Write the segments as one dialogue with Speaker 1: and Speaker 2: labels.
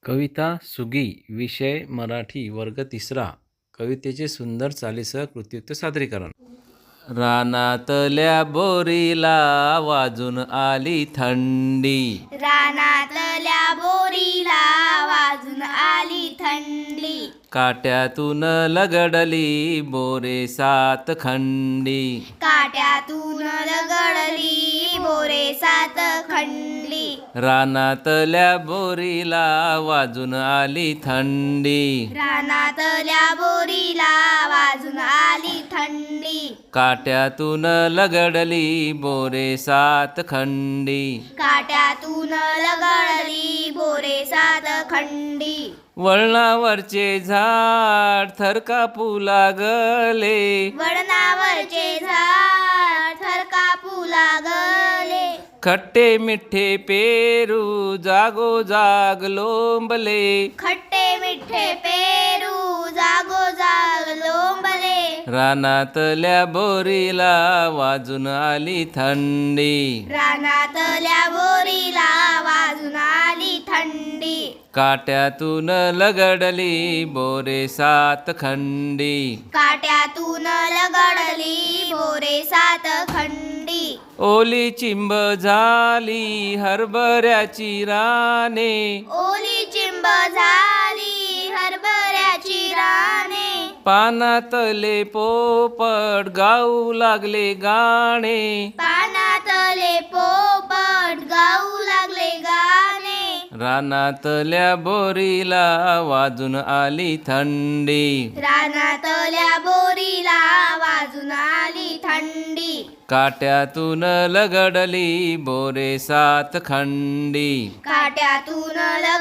Speaker 1: कविता Swiggy विषय मराठी वर्ग तिसरा. कवितेचे सुंदर चालीसह कृत्युक्त सादरीकरण. रानातल्या बोरीला वाजून आली थंडी,
Speaker 2: रानातल्या बोरीला वाजून आली थंडी,
Speaker 1: काट्यातून लगडली बोरे सात खंडी,
Speaker 2: काट्यातून लगडली बोरे सात खंडी,
Speaker 1: रानातल्या बोरीला वाजून आली थंडी,
Speaker 2: रानातल्या बोरीला वाजून आली थंडी,
Speaker 1: काट्यातून लगडली बोरे सात खंडी,
Speaker 2: काट्यातून लगडली बोरे सात खंडी,
Speaker 1: वळणावरचे झाड थर कापू लागले,
Speaker 2: वळणावरचे झाड थर कापू लागले,
Speaker 1: खट्टे मिठ्ठे पेरू जागोजाग लोंबले,
Speaker 2: खट्टे मिठ्ठे पेरू जागोजाग लोंबले,
Speaker 1: रानातल्या बोरीला वाजून आली थंडी,
Speaker 2: रानातल्या बोरीला वाजून आली थंडी,
Speaker 1: काट्यातून लगडली बोरे सात खंडी,
Speaker 2: काट्यातून लगडली बोरे सात खंडी,
Speaker 1: ओली चिंब झाली हरभऱ्याची राने,
Speaker 2: ओली चिंब झाली हरभऱ्याची राने,
Speaker 1: पानातले पोपट गाऊ लागले गाणे,
Speaker 2: पानातले पोपट गाऊ लागले गाणे,
Speaker 1: रानातल्या बोरीला वाजून आली थंडी,
Speaker 2: रानातल्या बोरीला वाजून आली थंडी,
Speaker 1: काट्यातून लगडली बोरे सात खंडी,
Speaker 2: काट्यातून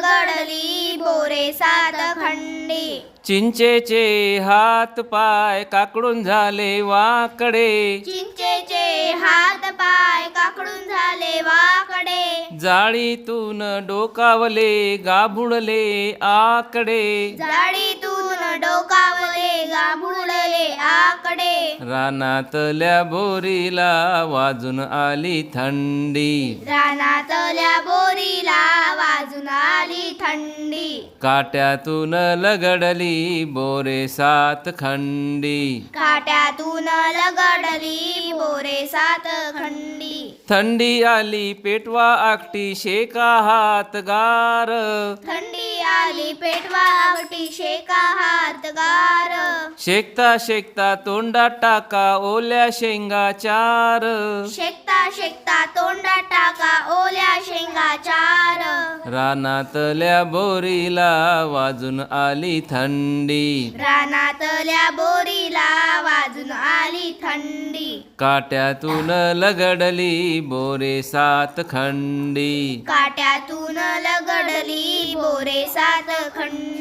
Speaker 2: लगडली बोरे सात खंडी,
Speaker 1: चिंचेचे हात पाय काकडून झाले वाकडे,
Speaker 2: चिंचेचे हात पाय काकडून झाले वाकडे,
Speaker 1: जाळीतून डोकावले गाभुडले आकडे,
Speaker 2: जाळीतून डोकावले गाभुडले आकडे,
Speaker 1: रानातल्या बोरीला वाजून आली थंडी,
Speaker 2: रानातल्या बोरीला वाजून आली थंडी,
Speaker 1: काट्यातून लगडली बोरे सात खंडी,
Speaker 2: काट्यातून लगडली बोरे सात खंडी,
Speaker 1: थंडी आली पेटवा आकटी शेका हात गार,
Speaker 2: थंडी आली पेटवा आवटी शेका हात गार,
Speaker 1: शेकता शेकता तोंडात टाका ओल्या शेंगा चार,
Speaker 2: शेकता शेकता तोंडात टाका ओल्या शेंगा चार,
Speaker 1: रानातल्या बोरीला वाजून आली थंडी,
Speaker 2: रानातल्या बोरीला वाजून आली थंडी,
Speaker 1: काट्यातून लगडली बोरे सात खंडी,
Speaker 2: काट्यातून लगडली बोरे सात खंडी.